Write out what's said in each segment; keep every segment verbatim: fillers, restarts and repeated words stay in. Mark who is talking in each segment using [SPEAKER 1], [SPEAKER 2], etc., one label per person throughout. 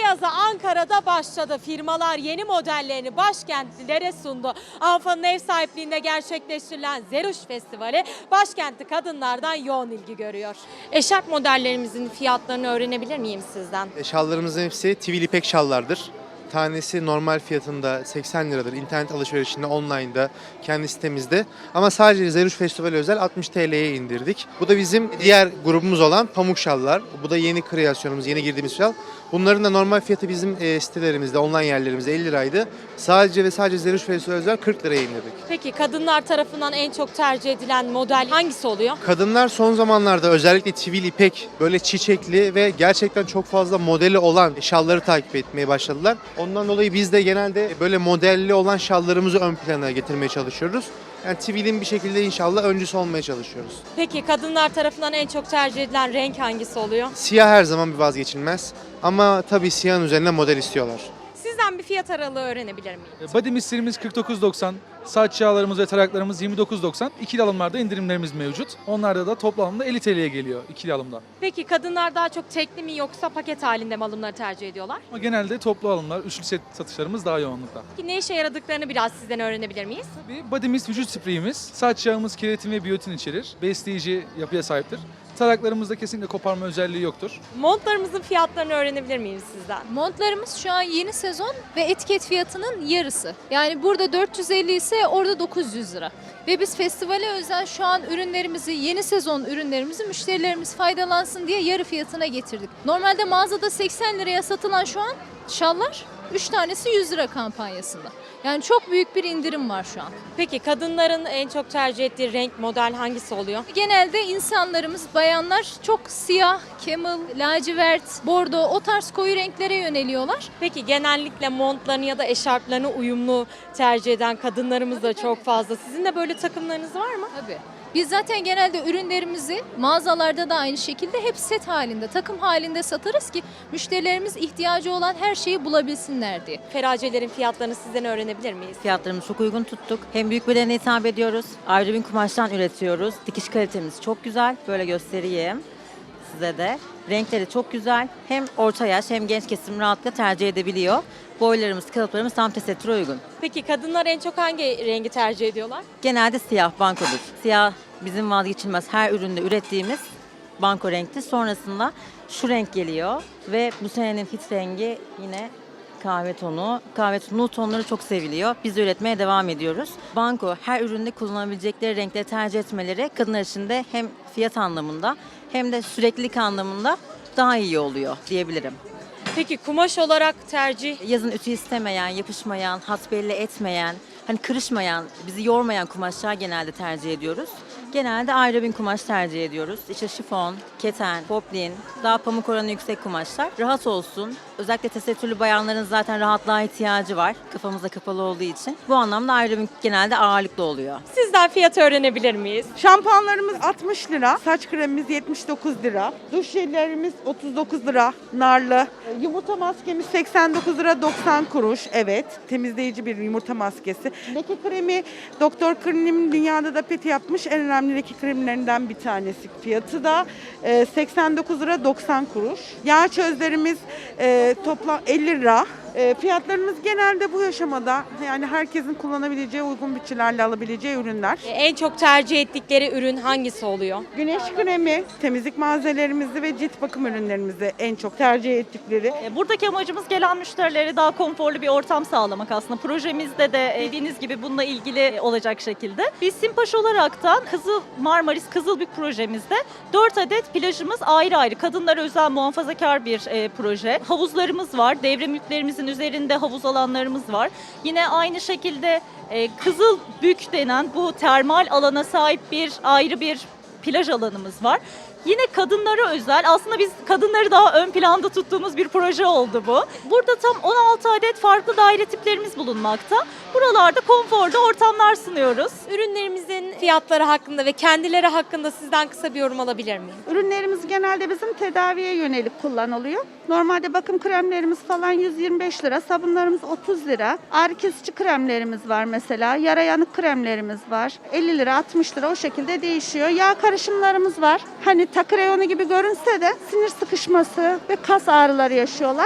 [SPEAKER 1] yazı Ankara'da başladı. Firmalar yeni modellerini başkentlilere sundu. ANFA'nın ev sahipliğinde gerçekleştirilen Zeruş Festivali başkentli kadınlardan yoğun ilgi görüyor. Eşarp modellerimizin fiyatlarını öğrenebilir miyim sizden?
[SPEAKER 2] Şallarımızın hepsi tivil ipek şallardır. Tanesi normal fiyatında seksen liradır. İnternet alışverişinde, online'da, kendi sitemizde. Ama sadece Zeruş Festivali özel altmış T L'ye indirdik. Bu da bizim diğer grubumuz olan pamuk şallar. Bu da yeni kreasyonumuz, yeni girdiğimiz şal. Bunların da normal fiyatı bizim e, sitelerimizde, online yerlerimizde elli liraydı. Sadece ve sadece Zeruş Festivali özel kırk liraya indirdik.
[SPEAKER 1] Peki kadınlar tarafından en çok tercih edilen model hangisi oluyor?
[SPEAKER 2] Kadınlar son zamanlarda özellikle tivil ipek, böyle çiçekli ve gerçekten çok fazla modeli olan şalları takip etmeye başladılar. Ondan dolayı biz de genelde böyle modelli olan şallarımızı ön plana getirmeye çalışıyoruz. Yani tivilin bir şekilde inşallah öncüsü olmaya çalışıyoruz.
[SPEAKER 1] Peki kadınlar tarafından en çok tercih edilen renk hangisi oluyor?
[SPEAKER 2] Siyah her zaman bir vazgeçilmez ama tabii siyahın üzerine model istiyorlar.
[SPEAKER 1] Sizden bir fiyat aralığı öğrenebilir miyim?
[SPEAKER 3] Body mistlerimiz kırk dokuz doksan, saç yağlarımız ve taraklarımız yirmi dokuz doksan. İkili alımlarda indirimlerimiz mevcut. Onlarda da toplamda elli T L'ye geliyor ikili alımda.
[SPEAKER 1] Peki kadınlar daha çok tekli mi yoksa paket halinde mi alımları tercih ediyorlar?
[SPEAKER 3] Ama genelde toplu alımlar, üçlü set satışlarımız daha yoğunlukta.
[SPEAKER 1] Peki ne işe yaradıklarını biraz sizden öğrenebilir miyiz?
[SPEAKER 3] Tabii Body Mist vücut spreyimiz, saç yağımız keratin ve biyotin içerir. Besleyici yapıya sahiptir. Taraklarımızda kesinlikle koparma özelliği yoktur.
[SPEAKER 1] Montlarımızın fiyatlarını öğrenebilir miyiz sizden?
[SPEAKER 4] Montlarımız şu an yeni sezon ve etiket fiyatının yarısı. Yani burada dört yüz elli ise orada dokuz yüz lira. Ve biz festivale özel şu an ürünlerimizi, yeni sezon ürünlerimizi müşterilerimiz faydalansın diye yarı fiyatına getirdik. Normalde mağazada seksen liraya satılan şu an şallar üç tanesi yüz lira kampanyasında. Yani çok büyük bir indirim var şu an.
[SPEAKER 1] Peki kadınların en çok tercih ettiği renk model hangisi oluyor?
[SPEAKER 4] Genelde insanlarımız, bayanlar çok siyah, camel, lacivert, bordo o tarz koyu renklere yöneliyorlar.
[SPEAKER 1] Peki genellikle montlarını ya da eşarplarını uyumlu tercih eden kadınlarımız da çok fazla. Sizin de böyle takımlarınız var mı?
[SPEAKER 4] Tabii. Biz zaten genelde ürünlerimizi mağazalarda da aynı şekilde hep set halinde, takım halinde satarız ki müşterilerimiz ihtiyacı olan her şeyi bulabilsinler diye.
[SPEAKER 1] Feracelerin fiyatlarını sizden öğrenebilir miyiz?
[SPEAKER 5] Fiyatlarımızı çok uygun tuttuk. Hem büyük bedene hitap ediyoruz. Ayrı bir kumaştan üretiyoruz. Dikiş kalitemiz çok güzel. Böyle göstereyim size de. Renkleri çok güzel. Hem orta yaş hem genç kesim rahatlıkla tercih edebiliyor. Boylarımız, kalıplarımız tam tesettüre uygun.
[SPEAKER 1] Peki kadınlar en çok hangi rengi tercih ediyorlar?
[SPEAKER 5] Genelde siyah bankodur. Siyah bizim vazgeçilmez her üründe ürettiğimiz banko renkti. Sonrasında şu renk geliyor ve bu senenin hit rengi yine kahve tonu. Kahve tonu tonları çok seviliyor. Biz de üretmeye devam ediyoruz. Banko her üründe kullanabilecekleri renkleri tercih etmeleri kadınlar için de hem fiyat anlamında hem de süreklilik anlamında daha iyi oluyor diyebilirim.
[SPEAKER 1] Peki kumaş olarak tercih?
[SPEAKER 5] Yazın ütü istemeyen, yapışmayan, hat belli etmeyen, hani kırışmayan, bizi yormayan kumaşlar genelde tercih ediyoruz. Genelde ayrı bir kumaş tercih ediyoruz. İşte şifon, keten, poplin, daha pamuk oranı yüksek kumaşlar. Rahat olsun. Özellikle tesettürlü bayanların zaten rahatlığa ihtiyacı var. Kafamıza kapalı olduğu için. Bu anlamda ayrı bir genelde ağırlıklı oluyor.
[SPEAKER 1] Sizden fiyatı öğrenebilir miyiz?
[SPEAKER 6] Şampuanlarımız altmış lira, saç kremimiz yetmiş dokuz lira, duş jellerimiz otuz dokuz lira, narlı. Yumurta maskemiz seksen dokuz lira doksan kuruş, evet. Temizleyici bir yumurta maskesi. Leke kremi, Doktor Klinim dünyada da peti yapmış en önemli leke kremlerinden bir tanesi. Fiyatı da e, seksen dokuz lira doksan kuruş. Yağ çözlerimiz e, toplam elli lira. E, fiyatlarımız genelde bu aşamada yani herkesin kullanabileceği, uygun bütçelerle alabileceği ürünler.
[SPEAKER 1] En çok tercih ettikleri ürün hangisi oluyor?
[SPEAKER 6] Güneş kremi, temizlik malzemelerimizi ve cilt bakım ürünlerimizi en çok tercih ettikleri.
[SPEAKER 7] Buradaki amacımız gelen müşterilere daha konforlu bir ortam sağlamak aslında. Projemizde de dediğiniz gibi bununla ilgili olacak şekilde. Biz Simpaş olaraktan Kızıl Marmaris Kızılbük projemizde dört adet plajımız ayrı ayrı. Kadınlara özel muhafazakar bir e, proje. Havuzlarımız var. Devre mülklerimizin üzerinde havuz alanlarımız var. Yine aynı şekilde e, Kızılbük denen bu termal alana sahip bir ayrı bir plaj alanımız var. Yine kadınlara özel, aslında biz kadınları daha ön planda tuttuğumuz bir proje oldu bu. Burada tam on altı adet farklı daire tiplerimiz bulunmakta. Buralarda konforlu ortamlar sunuyoruz.
[SPEAKER 1] Ürünlerimizin fiyatları hakkında ve kendileri hakkında sizden kısa bir yorum alabilir miyim?
[SPEAKER 6] Ürünlerimiz genelde bizim tedaviye yönelik kullanılıyor. Normalde bakım kremlerimiz falan yüz yirmi beş lira, sabunlarımız otuz lira. Ağrı kesici kremlerimiz var mesela, yara yanık kremlerimiz var. elli lira, altmış lira o şekilde değişiyor. Yağ karışımlarımız var. Hani takı reyonu gibi görünse de sinir sıkışması ve kas ağrıları yaşıyorlar.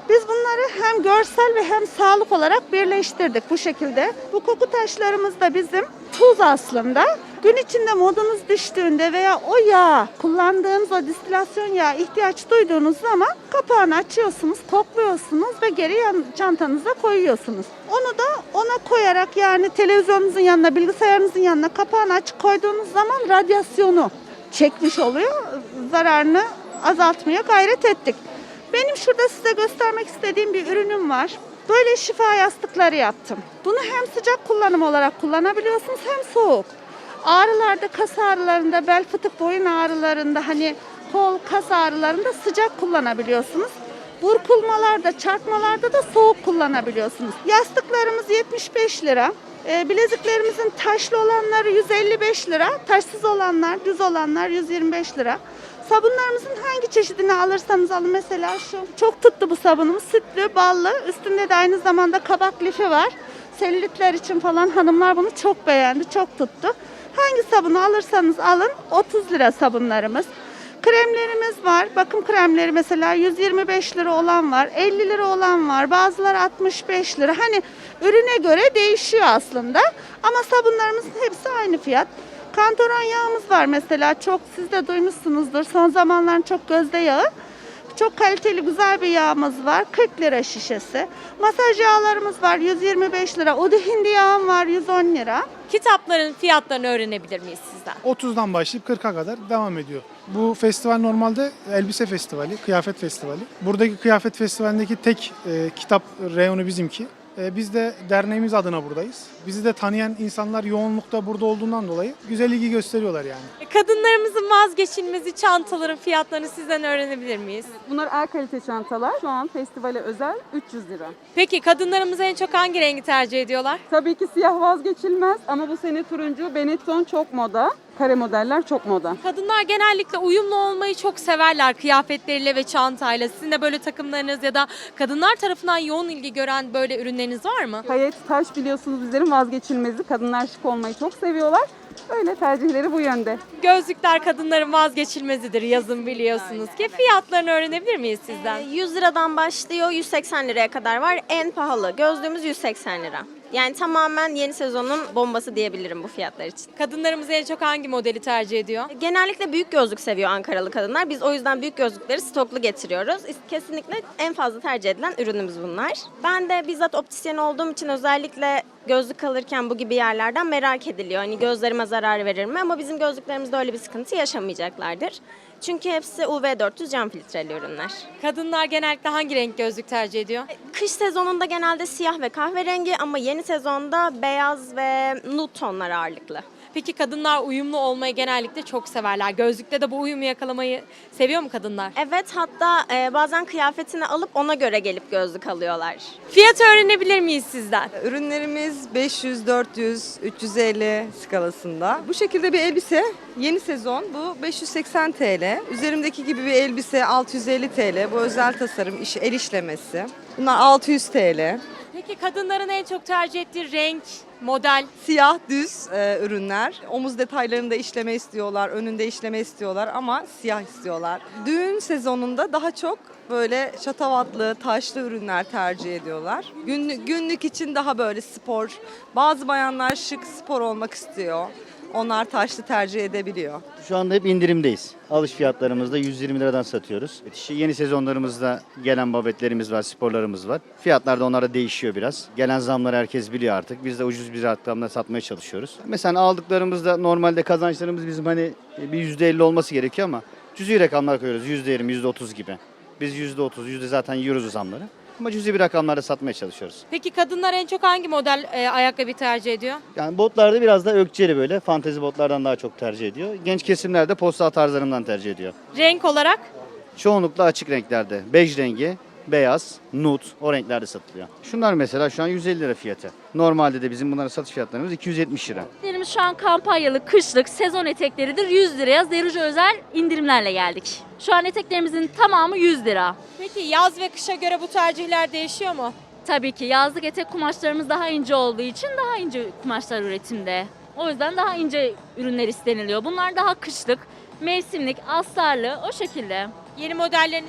[SPEAKER 6] Biz bunları hem görsel ve hem sağlık olarak birleştirdik bu şekilde. Bu koku taşlarımız da bizim tuz aslında. Gün içinde modunuz düştüğünde veya o yağ, kullandığınız o distilasyon yağı ihtiyaç duyduğunuz zaman kapağını açıyorsunuz, kokluyorsunuz ve geri yan, çantanıza koyuyorsunuz. Onu da ona koyarak, yani televizyonunuzun yanına, bilgisayarınızın yanına kapağını açık koyduğunuz zaman radyasyonu çekmiş oluyor. Zararını azaltmaya gayret ettik. Benim şurada size göstermek istediğim bir ürünüm var. Böyle şifa yastıkları yaptım. Bunu hem sıcak kullanım olarak kullanabiliyorsunuz hem soğuk. Ağrılarda, kas ağrılarında, bel fıtık boyun ağrılarında, hani kol kas ağrılarında sıcak kullanabiliyorsunuz. Burkulmalarda, çarpmalarda da soğuk kullanabiliyorsunuz. Yastıklarımız yetmiş beş lira. E, bileziklerimizin taşlı olanları yüz elli beş lira. Taşsız olanlar, düz olanlar yüz yirmi beş lira. Sabunlarımızın hangi çeşidini alırsanız alın, mesela şu. Çok tuttu bu sabunumuz. Sütlü, ballı. Üstünde de aynı zamanda kabak lifi var. Selülitler için falan hanımlar bunu çok beğendi. Çok tuttu. Hangi sabunu alırsanız alın otuz lira sabunlarımız. Kremlerimiz var. Bakım kremleri mesela yüz yirmi beş lira olan var. elli lira olan var. Bazıları altmış beş lira. Hani ürüne göre değişiyor aslında. Ama sabunlarımızın hepsi aynı fiyat. Kantaron yağımız var mesela. Çok, siz de duymuşsunuzdur. Son zamanların çok gözde yağı. Çok kaliteli güzel bir yağımız var. kırk lira şişesi. Masaj yağlarımız var yüz yirmi beş lira. Udu hindi yağım var yüz on lira.
[SPEAKER 1] Kitapların fiyatlarını öğrenebilir miyiz sizden?
[SPEAKER 8] otuzdan başlayıp kırka kadar devam ediyor. Bu festival normalde elbise festivali, kıyafet festivali. Buradaki kıyafet festivalindeki tek e, kitap reyonu bizimki. E, biz de derneğimiz adına buradayız. Bizi de tanıyan insanlar yoğunlukta burada olduğundan dolayı güzel ilgi gösteriyorlar yani.
[SPEAKER 1] Kadınlarımızın vazgeçilmezi çantaların fiyatlarını sizden öğrenebilir miyiz?
[SPEAKER 9] Bunlar A kalite çantalar. Şu an festivale özel üç yüz lira.
[SPEAKER 1] Peki kadınlarımız en çok hangi rengi tercih ediyorlar?
[SPEAKER 9] Tabii ki siyah vazgeçilmez ama bu sene turuncu, Benetton çok moda. Kare modeller çok moda.
[SPEAKER 1] Kadınlar genellikle uyumlu olmayı çok severler kıyafetleriyle ve çantayla. Sizin de böyle takımlarınız ya da kadınlar tarafından yoğun ilgi gören böyle ürünleriniz var mı?
[SPEAKER 9] Payet, taş biliyorsunuz bizlerin vazgeçilmezi. Kadınlar şık olmayı çok seviyorlar. Öyle tercihleri bu yönde.
[SPEAKER 1] Gözlükler kadınların vazgeçilmezidir yazın biliyorsunuz ki. Fiyatlarını öğrenebilir miyiz sizden?
[SPEAKER 10] yüz liradan başlıyor, yüz seksen liraya kadar var. En pahalı gözlüğümüz yüz seksen lira. Yani tamamen yeni sezonun bombası diyebilirim bu fiyatlar için.
[SPEAKER 1] Kadınlarımız en çok hangi modeli tercih ediyor?
[SPEAKER 10] Genellikle büyük gözlük seviyor Ankaralı kadınlar. Biz o yüzden büyük gözlükleri stoklu getiriyoruz. Kesinlikle en fazla tercih edilen ürünümüz bunlar. Ben de bizzat optisyen olduğum için özellikle gözlük alırken bu gibi yerlerden merak ediliyor. Hani gözlerime zarar verir mi? Ama bizim gözlüklerimizde öyle bir sıkıntı yaşamayacaklardır. Çünkü hepsi U V dört yüz cam filtreli ürünler.
[SPEAKER 1] Kadınlar genellikle hangi renk gözlük tercih ediyor?
[SPEAKER 10] Kış sezonunda genelde siyah ve kahverengi ama yeni sezonda beyaz ve nude tonlar ağırlıklı.
[SPEAKER 1] Peki kadınlar uyumlu olmayı genellikle çok severler. Gözlükte de bu uyumu yakalamayı seviyor mu kadınlar?
[SPEAKER 10] Evet, hatta e, bazen kıyafetini alıp ona göre gelip gözlük alıyorlar.
[SPEAKER 1] Fiyatı öğrenebilir miyiz sizden?
[SPEAKER 11] Ürünlerimiz beş yüz, dört yüz, üç yüz elli skalasında. Bu şekilde bir elbise yeni sezon bu beş yüz seksen TL. Üzerimdeki gibi bir elbise altı yüz elli TL. Bu özel tasarım iş, el işlemesi. Bunlar altı yüz TL.
[SPEAKER 1] Peki kadınların en çok tercih ettiği renk, model?
[SPEAKER 11] Siyah düz e, ürünler. Omuz detaylarında işleme istiyorlar, önünde işleme istiyorlar ama siyah istiyorlar. Düğün sezonunda daha çok böyle şatavatlı, taşlı ürünler tercih ediyorlar. Günlük, günlük için daha böyle spor. Bazı bayanlar şık spor olmak istiyor. Onlar taşlı tercih edebiliyor.
[SPEAKER 12] Şu anda hep indirimdeyiz. Alış fiyatlarımızda yüz yirmi liradan satıyoruz. İşte yeni sezonlarımızda gelen babetlerimiz var, sporlarımız var. Fiyatlar da onlara değişiyor biraz. Gelen zamları herkes biliyor artık. Biz de ucuz bir rakamda satmaya çalışıyoruz. Mesela aldıklarımızda normalde kazançlarımız bizim hani bir yüzde elli olması gerekiyor ama cüzi rakamlar koyuyoruz. yüzde yirmi, yüzde otuz gibi. Biz yüzde otuz, yüzde zaten yiyoruz o zamları. Ama cüzi bir rakamlarda satmaya çalışıyoruz.
[SPEAKER 1] Peki kadınlar en çok hangi model e, ayakkabı tercih ediyor?
[SPEAKER 12] Yani botlarda biraz da ökçeli böyle. Fantezi botlardan daha çok tercih ediyor. Genç kesimler de postal tarzlarından tercih ediyor.
[SPEAKER 1] Renk olarak?
[SPEAKER 12] Çoğunlukla açık renklerde. Bej rengi, beyaz, nude o renklerde satılıyor. Şunlar mesela şu an yüz elli lira fiyatı. Normalde de bizim bunların satış fiyatlarımız iki yüz yetmiş lira.
[SPEAKER 13] Eteklerimiz şu an kampanyalı, kışlık, sezon etekleridir. yüz liraya Zeruj özel indirimlerle geldik. Şu an eteklerimizin tamamı yüz lira.
[SPEAKER 1] Peki yaz ve kışa göre bu tercihler değişiyor mu?
[SPEAKER 13] Tabii ki yazlık etek kumaşlarımız daha ince olduğu için daha ince kumaşlar üretimde. O yüzden daha ince ürünler isteniliyor. Bunlar daha kışlık, mevsimlik, astarlı o şekilde.
[SPEAKER 1] Yeni modelleriniz yok mu?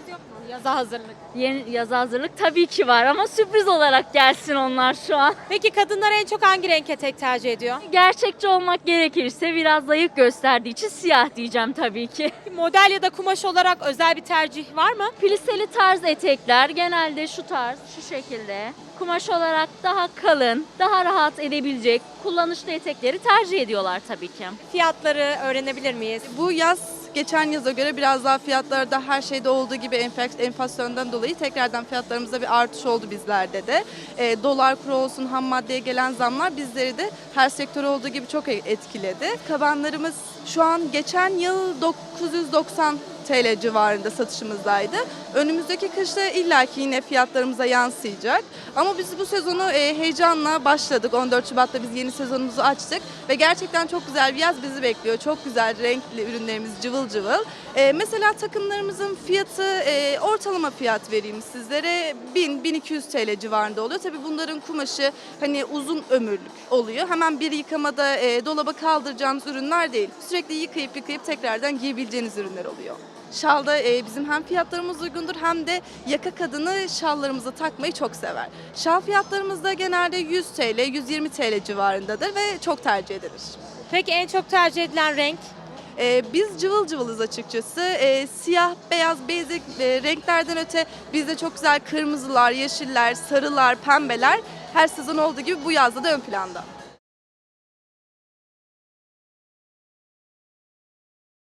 [SPEAKER 1] Yaza hazırlık.
[SPEAKER 13] Yeni yaza hazırlık tabii ki var ama sürpriz olarak gelsin onlar şu an.
[SPEAKER 1] Peki kadınlar en çok hangi renk etek tercih ediyor?
[SPEAKER 13] Gerçekçi olmak gerekirse biraz zayıf gösterdiği için siyah diyeceğim tabii ki.
[SPEAKER 1] Model ya da kumaş olarak özel bir tercih var mı?
[SPEAKER 13] Pliseli tarz etekler genelde şu tarz, şu şekilde. Kumaş olarak daha kalın, daha rahat edebilecek kullanışlı etekleri tercih ediyorlar tabii ki.
[SPEAKER 1] Fiyatları öğrenebilir miyiz?
[SPEAKER 11] Bu yaz geçen yaza göre biraz daha fiyatlarda her şeyde olduğu gibi enfek- enflasyondan dolayı tekrardan fiyatlarımızda bir artış oldu bizlerde de. E, dolar kuru olsun, ham maddeye gelen zamlar bizleri de her sektör olduğu gibi çok etkiledi. Kabanlarımız şu an geçen yıl dokuz yüz doksan T L civarında satışımızdaydı. Önümüzdeki kışta illaki yine fiyatlarımıza yansıyacak. Ama biz bu sezonu e, heyecanla başladık. on dört Şubat'ta biz yeni sezonumuzu açtık ve gerçekten çok güzel bir yaz bizi bekliyor. Çok güzel renkli ürünlerimiz cıvıl cıvıl. E, mesela takımlarımızın fiyatı e, ortalama fiyat vereyim sizlere. bin bin iki yüz T L civarında oluyor. Tabii bunların kumaşı hani uzun ömürlük oluyor. Hemen bir yıkamada e, dolaba kaldıracağınız ürünler değil. Sürekli yıkayıp yıkayıp tekrardan giyebileceğiniz ürünler oluyor. Şalda e, bizim hem fiyatlarımız uygundur hem de yaka kadını şallarımıza takmayı çok sever. Şal fiyatlarımız da genelde yüz T L, yüz yirmi T L civarındadır ve çok tercih edilir.
[SPEAKER 1] Peki en çok tercih edilen renk?
[SPEAKER 11] E, biz cıvıl cıvılız açıkçası. E, siyah, beyaz, basic e, renklerden öte bizde çok güzel kırmızılar, yeşiller, sarılar, pembeler her sezon olduğu gibi bu yazda da ön planda.